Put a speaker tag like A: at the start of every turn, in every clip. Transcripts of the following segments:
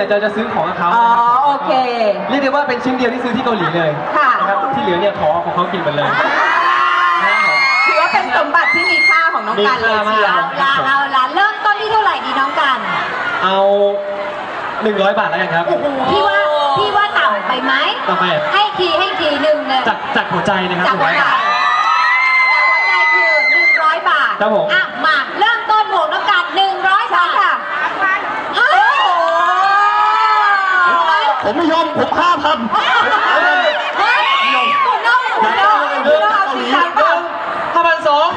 A: เนี่ยจะซื้อของกับเขา
B: โอเค
A: เรียกได้ว่าเป็นชิ้นเดียวที่ซื้อที่เกาหลีเลยนะครับที่เหลือเนี่ยขอของเขากินหมดเลย
B: ถือว่าเป็นสมบัติที่มีค่าของน้องกันเลยเชียว
C: เอาละเริ่มต้นที่เท่าไหร่ดีน้องกัน
A: เอา100 บาทแล้วกันครับ
C: พี่ว่าต่ำไปไหม
A: ต่ำไป
C: ให้ทีหนึ่งเลย
A: จากหัวใจนะครับ
C: จากหัวใจคือ100 บาท
A: ครับผม
C: มาเริ่มต้นบวกน้องกัน100 บาทค่ะ
A: ผมไม่ยอมผม5,0005,200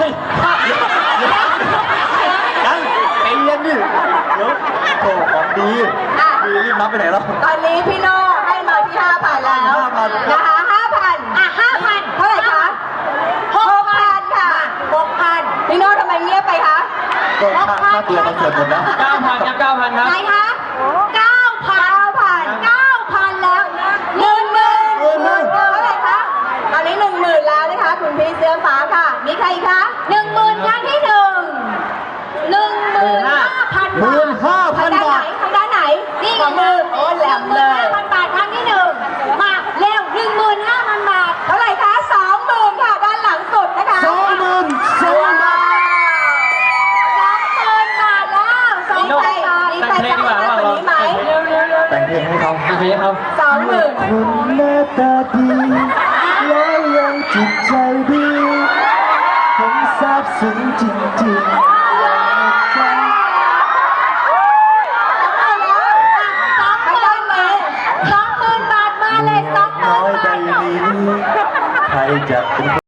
A: ยังไปเรียนดิเดี๋ยวโถของดีรีบนับไปไหนแล้ว
B: ตอนนี้พี่โน่ให้มาที่ 5,000 แล้วนะคะ 5,000 เท่าไหร่คะ 6,000 ค่ะ 6,000 พี่โน่ทำไมเงียบไปคะ
A: ก็ค่าตัวคอนเสิร์ตหมดแล้ว 9,000 ครับ 9,000 ครับ
C: ไหนคะ 9,000 แล้ว
B: 10,000เท่าไหร่คะตอนนี้ 10,000 แล้วนะคะคุณพี่เสื้อฟ้าค่ะมีใครคะ
C: 10,000 ครั้งที่ 15,000 บาท
B: ทางด้านไหน
C: นี่
B: มือโอ้แหลมเลย
C: 15,000 บาทครั้งที่1มาเร็ว 15,000 บาท
B: เท่าไหร่คะ 20,000 ค่ะด้านหลังสุดนะคะ
A: 20,000
C: บาทแล้ว
B: มีใครจะมากกว่านี้ไหม
A: แต่งเพลงให้เขา
B: 20,000
A: คนหน้าตาดีแล้วยังจิตใจดีผมซาบซึ้งจริงๆ
C: 20,000 บาทมาเลย20,000 บาท
A: ใครจะเป็น